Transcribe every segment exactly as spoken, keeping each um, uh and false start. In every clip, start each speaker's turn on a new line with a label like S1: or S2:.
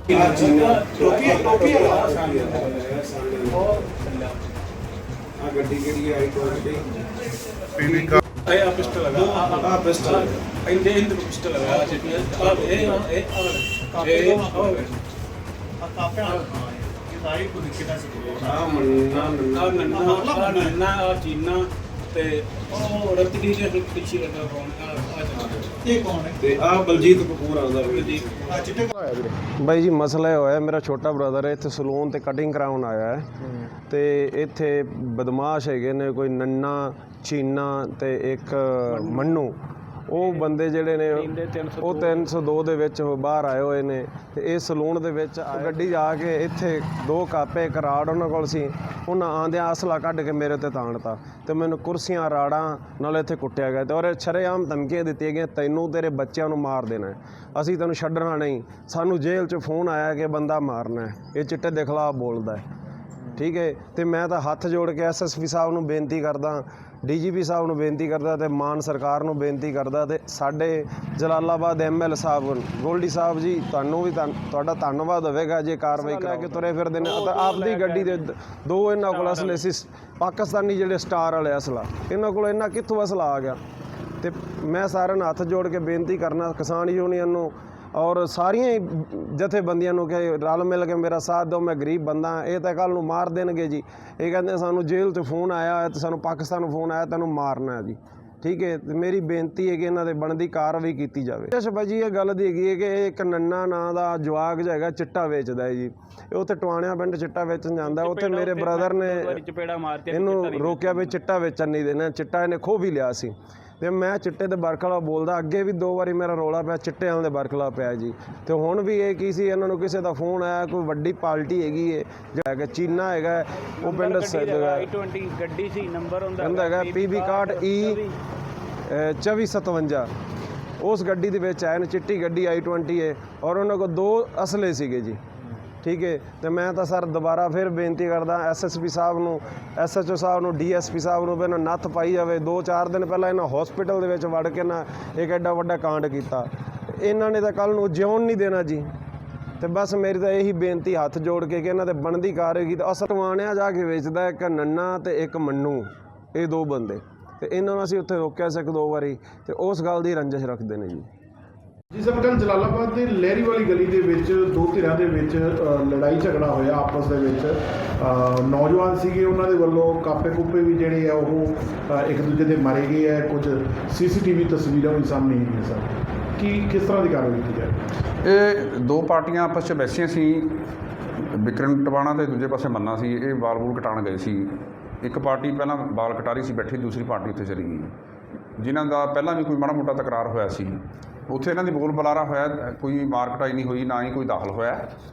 S1: ਗੱਡੀ ਕਿਹੜੀ ਆਈ
S2: पीवी का
S3: ਇਹ ਆ ਪਿਸਟਲ ਲਗਾ
S1: ਆ ਪਿਸਟਲ
S3: ਇਹਦੇ ਇਹਦੇ ਪਿਸਟਲ ਲਗਾ ਆ ਇਹ ਇਹ ਇਹ ਇਹ
S4: ਕਾਪੇ ਆ ਇਹ ਸਾਰੀ ਕੁਝ ਕਿਹਦਾ ਸੀ
S1: ਆ ਮੰਨਾ
S3: ਆ ਨੰਨਾ ਨੰਨਾ ਆ ਚੀਨਾ ਤੇ ਉਹ ਰਤੜੀ ਦੇ ਪਿੱਛੇ ਲੱਗਾ ਕੌਣ ਆ ਆ
S4: ਇਹ ਕੌਣ ਹੈ
S1: ਤੇ ਆ ਬਲਜੀਤ ਕਪੂਰ ਆਉਂਦਾ ਵੀ
S4: ਆ ਚਿੱਟੇ
S5: ਬਾਈ ਜੀ ਮਸਲਾ ਇਹ ਹੋਇਆ, ਮੇਰਾ ਛੋਟਾ ਬ੍ਰਦਰ ਹੈ ਇੱਥੇ ਸਲੂਨ ਤੇ ਕਟਿੰਗ ਕਰਾਉਣ ਆਇਆ ਹੈ ਤੇ ਇੱਥੇ ਬਦਮਾਸ਼ ਹੈਗੇ ਨੇ ਕੋਈ ਨੰਨਾ ਚੀਨਾ ਤੇ ਇੱਕ ਮੰਨੂ। ਉਹ ਬੰਦੇ ਜਿਹੜੇ ਨੇ ਉਹ ਤਿੰਨ ਸੌ ਦੋ ਦੇ ਵਿੱਚ ਬਾਹਰ ਆਏ ਹੋਏ ਨੇ ਤੇ ਇਹ ਸਲੂਨ ਦੇ ਵਿੱਚ ਗੱਡੀ ਆ ਕੇ ਇੱਥੇ ਦੋ ਕਾਪੇ ਕਰਾੜ ਉਹਨਾਂ ਕੋਲ ਸੀ, ਉਹਨਾਂ ਆਂਦਿਆਂ ਅਸਲਾ ਕੱਢ ਕੇ ਮੇਰੇ ਤੇ ਤਾਣਤਾ ਤੇ ਮੈਨੂੰ ਕੁਰਸੀਆਂ ਰਾੜਾਂ ਨਾਲ ਇੱਥੇ ਕੁੱਟਿਆ ਗਿਆ ਤੇ ਔਰ ਸ਼ਰੇਆਮ ਧਮਕੀਆਂ ਦਿੱਤੀਆਂ ਗਈਆਂ, ਤੈਨੂੰ ਤੇਰੇ ਬੱਚਿਆਂ ਨੂੰ ਮਾਰ ਦੇਣਾ, ਅਸੀਂ ਤੈਨੂੰ ਛੱਡਣਾ ਨਹੀਂ। ਸਾਨੂੰ ਜੇਲ੍ਹ 'ਚ ਫੋਨ ਆਇਆ ਕਿ ਬੰਦਾ ਮਾਰਨਾ ਹੈ, ਇਹ ਚਿੱਟੇ ਦੇ ਖਿਲਾਫ ਬੋਲਦਾ ਹੈ, ਠੀਕ ਹੈ। ਤੇ ਮੈਂ ਤਾਂ ਹੱਥ ਜੋੜ ਕੇ ਐਸ ਐਸ ਪੀ ਸਾਹਿਬ ਨੂੰ ਬੇਨਤੀ ਕਰਦਾ, ਡੀ ਜੀ ਪੀ ਸਾਹਿਬ ਨੂੰ ਬੇਨਤੀ ਕਰਦਾ ਤੇ ਮਾਨ ਸਰਕਾਰ ਨੂੰ ਬੇਨਤੀ ਕਰਦਾ ਤੇ ਸਾਡੇ ਜਲਾਲਾਬਾਦ ਐਮ ਐਲ ਸਾਹਿਬ ਗੋਲਡੀ ਸਾਹਿਬ ਜੀ, ਤੁਹਾਨੂੰ ਵੀ ਤੁਹਾਡਾ ਧੰਨਵਾਦ ਹੋਵੇਗਾ ਜੇ ਕਾਰਵਾਈ ਕਰਾ ਕੇ ਤੁਰੇ ਫਿਰਦੇ ਨੇ। ਆਪਦੀ ਗੱਡੀ ਦੇ ਦੋ ਇਹਨਾਂ ਕੋਲ ਅਸਲੇ ਸੀ ਪਾਕਿਸਤਾਨੀ ਜਿਹੜੇ ਸਟਾਰ ਵਾਲੇ ਅਸਲਾ, ਇਹਨਾਂ ਕੋਲ ਇਹਨਾਂ ਕਿੱਥੋਂ ਅਸਲਾ ਆ ਗਿਆ। ਤੇ ਮੈਂ ਸਾਰਿਆਂ ਨੂੰ ਹੱਥ ਜੋੜ ਕੇ ਬੇਨਤੀ ਕਰਨਾ ਕਿਸਾਨ ਯੂਨੀਅਨ ਨੂੰ ਔਰ ਸਾਰੀਆਂ ਹੀ ਜਥੇਬੰਦੀਆਂ ਨੂੰ ਕਿ ਰਲ ਮਿਲ ਕੇ ਮੇਰਾ ਸਾਥ ਦਿਓ, ਮੈਂ ਗਰੀਬ ਬੰਦਾ, ਇਹ ਤਾਂ ਕੱਲ੍ਹ ਨੂੰ ਮਾਰ ਦੇਣਗੇ ਜੀ। ਇਹ ਕਹਿੰਦੇ ਸਾਨੂੰ ਜੇਲ੍ਹ 'ਚ ਫੋਨ ਆਇਆ ਹੈ ਤੇ ਸਾਨੂੰ ਪਾਕਿਸਤਾਨ ਨੂੰ ਫੋਨ ਆਇਆ ਤੈਨੂੰ ਮਾਰਨਾ ਹੈ ਜੀ, ਠੀਕ ਹੈ। ਤੇ ਮੇਰੀ ਬੇਨਤੀ ਹੈ ਕਿ ਇਹਨਾਂ ਦੇ ਬਣਦੀ ਕਾਰਵਾਈ ਕੀਤੀ ਜਾਵੇ। ਅੱਛਾ ਭਾਈ ਜੀ, ਇਹ ਗੱਲ ਦੀ ਹੈਗੀ ਹੈ ਕਿ ਇਹ ਇੱਕ ਨੰਨਾ ਨਾਂ ਦਾ ਜਵਾਕ ਜਿਹਾ ਹੈਗਾ, ਚਿੱਟਾ ਵੇਚਦਾ ਹੈ ਜੀ। ਇਹ ਉੱਥੇ ਟਵਾਣਿਆਂ ਪਿੰਡ ਚਿੱਟਾ ਵੇਚਣ ਜਾਂਦਾ, ਉੱਥੇ ਮੇਰੇ ਬ੍ਰਦਰ ਨੇ ਇਹਨੂੰ ਰੋਕਿਆ ਵੀ ਚਿੱਟਾ ਵੇਚਣ ਨਹੀਂ ਦੇਣਾ, ਚਿੱਟਾ ਇਹਨੇ ਖੋਹ ਵੀ ਲਿਆ ਸੀ। ਤੇ ਮੈਂ ਚਿੱਟੇ ਦੇ ਬਰਖਲਾ ਬੋਲਦਾ, ਅੱਗੇ ਵੀ ਦੋ ਵਾਰੀ ਮੇਰਾ ਰੌਲਾ ਪਿਆ ਚਿੱਟੇ ਵਾਲੇ ਦੇ ਬਰਖਲਾ ਪਿਆ ਜੀ। ਤੇ ਹੁਣ ਵੀ ਇਹ ਕੀ ਸੀ, ਇਹਨਾਂ ਨੂੰ ਕਿਸੇ ਦਾ ਫੋਨ ਆਇਆ, ਕੋਈ ਵੱਡੀ ਪਾਰਟੀ ਹੈਗੀ ਹੈ ਜਿਹੜਾ ਹੈਗਾ ਚੀਨਾ ਹੈਗਾ, ਉਹ ਪਿੰਡ
S6: ਆਈ ਟਵੰਟੀ ਗੱਡੀ ਸੀ, ਨੰਬਰ ਹੁੰਦਾ
S5: ਕਹਿੰਦਾ ਹੈਗਾ ਪੀ ਬੀ ਇਕਾਹਠ ਈ ਚੌਵੀ ਸਤਵੰਜਾ, ਉਸ ਗੱਡੀ ਦੇ ਵਿੱਚ ਆਏ ਨੇ, ਚਿੱਟੀ ਗੱਡੀ ਆਈ ਟਵੰਟੀ ਹੈ ਔਰ ਉਹਨਾਂ ਕੋਲ ਦੋ ਅਸਲੇ ਸੀਗੇ ਜੀ, ਠੀਕ ਹੈ। ਤੇ ਮੈਂ ਤਾਂ ਸਰ ਦੁਬਾਰਾ ਫਿਰ ਬੇਨਤੀ ਕਰਦਾ ਐਸ ਐਸ ਪੀ ਸਾਹਿਬ ਨੂੰ, ਐਸ ਐਚ ਓ ਸਾਹਿਬ ਨੂੰ, ਡੀ ਐਸ ਪੀ ਸਾਹਿਬ ਨੂੰ ਵੀ ਇਹਨਾਂ ਨੱਥ ਪਾਈ ਜਾਵੇ। ਦੋ ਚਾਰ ਦਿਨ ਪਹਿਲਾਂ ਇਹਨਾਂ ਹੌਸਪੀਟਲ ਦੇ ਵਿੱਚ ਵੜ ਕੇ ਨਾ ਇੱਕ ਐਡਾ ਵੱਡਾ ਕਾਂਡ ਕੀਤਾ, ਇਹਨਾਂ ਨੇ ਤਾਂ ਕੱਲ੍ਹ ਨੂੰ ਜਿਉਣ ਨਹੀਂ ਦੇਣਾ ਜੀ। ਤੇ ਬਸ ਮੇਰੀ ਤਾਂ ਇਹੀ ਬੇਨਤੀ ਹੱਥ ਜੋੜ ਕੇ ਕਿ ਇਹਨਾਂ ਦੇ ਬਣਦੀ ਕਾਰਵਾਈ ਤਾਂ ਅਸਲ ਟਵਾਣਿਆਂ ਜਾ ਕੇ ਵੇਚਦਾ ਇੱਕ ਨੰਨਾ ਤੇ ਇੱਕ ਮੰਨੂ, ਇਹ ਦੋ ਬੰਦੇ, ਤੇ ਇਹਨਾਂ ਨੂੰ ਅਸੀਂ ਉੱਥੇ ਰੋਕਿਆ ਸੀ ਇੱਕ ਦੋ ਵਾਰੀ ਤੇ ਉਸ ਗੱਲ ਦੀ ਰੰਜਿਸ਼ ਰੱਖਦੇ ਨੇ ਜੀ।
S2: ਜੀ ਸਰ, ਕੱਲ੍ਹ ਜਲਾਲਾਬਾਦ ਦੇ ਲਹਿਰੀ ਵਾਲੀ ਗਲੀ ਦੇ ਵਿੱਚ ਦੋ ਧਿਰਾਂ ਦੇ ਵਿੱਚ ਲੜਾਈ ਝਗੜਾ ਹੋਇਆ ਆਪਸ ਦੇ ਵਿੱਚ। ਨੌਜਵਾਨ ਸੀਗੇ, ਉਹਨਾਂ ਦੇ ਵੱਲੋਂ ਕਾਪੇ ਕੂਪੇ ਵੀ ਜਿਹੜੇ ਆ ਉਹ ਇੱਕ ਦੂਜੇ ਦੇ ਮਾਰੇ ਗਏ ਹੈ, ਕੁਝ ਸੀ ਸੀ ਟੀ ਵੀ ਤਸਵੀਰਾਂ ਵੀ ਸਾਹਮਣੇ ਆਈਆਂ ਸਰ, ਕੀ ਕਿਸ ਤਰ੍ਹਾਂ ਦੀ ਕਾਰਵਾਈ ਕੀਤੀ ਜਾਏ?
S7: ਇਹ ਦੋ ਪਾਰਟੀਆਂ ਆਪਸ 'ਚ ਬੈਸੀਆਂ ਸੀ, ਵਿਕਰਮ ਟਵਾਣਾ ਤੇ ਦੂਜੇ ਪਾਸੇ ਮੰਨਾ ਸੀ। ਇਹ ਬਾਲ ਬੂਲ ਕਟਾਉਣ ਗਏ ਸੀ। ਇੱਕ ਪਾਰਟੀ ਪਹਿਲਾਂ ਬਾਲ ਕਟਾ ਰਹੀ ਸੀ ਬੈਠੀ, ਦੂਸਰੀ ਪਾਰਟੀ ਉੱਥੇ ਚਲੀ ਗਈ, ਜਿਨ੍ਹਾਂ ਦਾ ਪਹਿਲਾਂ ਵੀ ਕੋਈ ਮਾੜਾ ਮੋਟਾ ਤਕਰਾਰ ਹੋਇਆ ਸੀ। ਉੱਥੇ ਇਹਨਾਂ ਦੀ ਬੋਲ ਬੁਲਾਰਾ ਹੋਇਆ, ਕੋਈ ਮਾਰ ਕਟਾਈ ਨਹੀਂ ਹੋਈ, ਨਾ ਹੀ ਕੋਈ ਦਾਖਲ ਹੋਇਆ।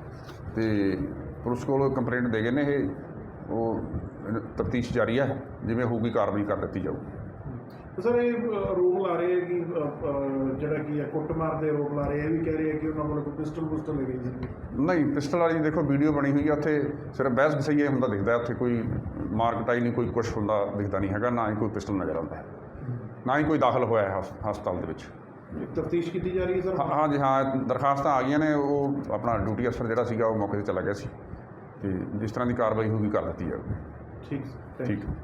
S7: ਤੇ ਪੁਲਿਸ ਕੋਲ ਕੰਪਲੇਂਟ ਦੇ ਗਏ ਨੇ, ਇਹ ਉਹ ਤਫਤੀਸ਼ ਜਾਰੀ ਹੈ, ਜਿਵੇਂ ਹੋਊਗੀ ਕਾਰਵਾਈ ਕਰ ਦਿੱਤੀ ਜਾਊਗੀ।
S2: ਸਰ ਇਹ ਆਰੋਪ ਲਾ ਰਹੇ ਹੈ ਕਿ ਜਿਹੜਾ ਕੀ ਹੈ ਕੁੱਟਮਾਰ ਦੇ ਆਰੋਪ ਲਾ ਰਹੇ, ਇਹ ਵੀ ਕਹਿ ਰਹੇ ਹੈ ਕਿ ਉਹਨਾਂ ਕੋਲ ਕੋਈ ਪਿਸਟਲ ਪੁਸਟਲ ਲੱਗੀ ਸੀ।
S7: ਨਹੀਂ, ਪਿਸਟਲ ਵਾਲੀ ਦੇਖੋ ਵੀਡੀਓ ਬਣੀ ਹੋਈ ਹੈ, ਉੱਥੇ ਸਿਰਫ ਬਹਿਸ ਬਸਈਆ ਹੁੰਦਾ ਦਿਖਦਾ, ਉੱਥੇ ਕੋਈ ਮਾਰ ਕਟਾਈ ਨਹੀਂ, ਕੋਈ ਕੁਛ ਹੁੰਦਾ ਦਿਖਦਾ ਨਹੀਂ ਹੈਗਾ, ਨਾ ਹੀ ਕੋਈ ਪਿਸਟਲ ਨਜ਼ਰ ਆਉਂਦਾ ਹੈ, ਨਾ ਹੀ ਕੋਈ ਦਾਖਲ ਹੋਇਆ ਹੈ ਹਸਪਤਾਲ ਦੇ ਵਿੱਚ।
S2: ਤਫਤੀਸ਼ ਕੀਤੀ ਜਾ ਰਹੀ ਹੈ ਸਰ?
S7: ਹਾਂ ਜੀ ਹਾਂ, ਦਰਖਾਸਤਾਂ ਆ ਗਈਆਂ ਨੇ, ਉਹ ਆਪਣਾ ਡਿਊਟੀ ਅਫਸਰ ਜਿਹੜਾ ਸੀਗਾ ਉਹ ਮੌਕੇ 'ਤੇ ਚਲਾ ਗਿਆ ਸੀ, ਤੇ ਜਿਸ ਤਰ੍ਹਾਂ ਦੀ ਕਾਰਵਾਈ ਹੋਊਗੀ ਕਰ ਦਿੱਤੀ ਜਾਊਗੀ।
S2: ਠੀਕ
S7: ਠੀਕ।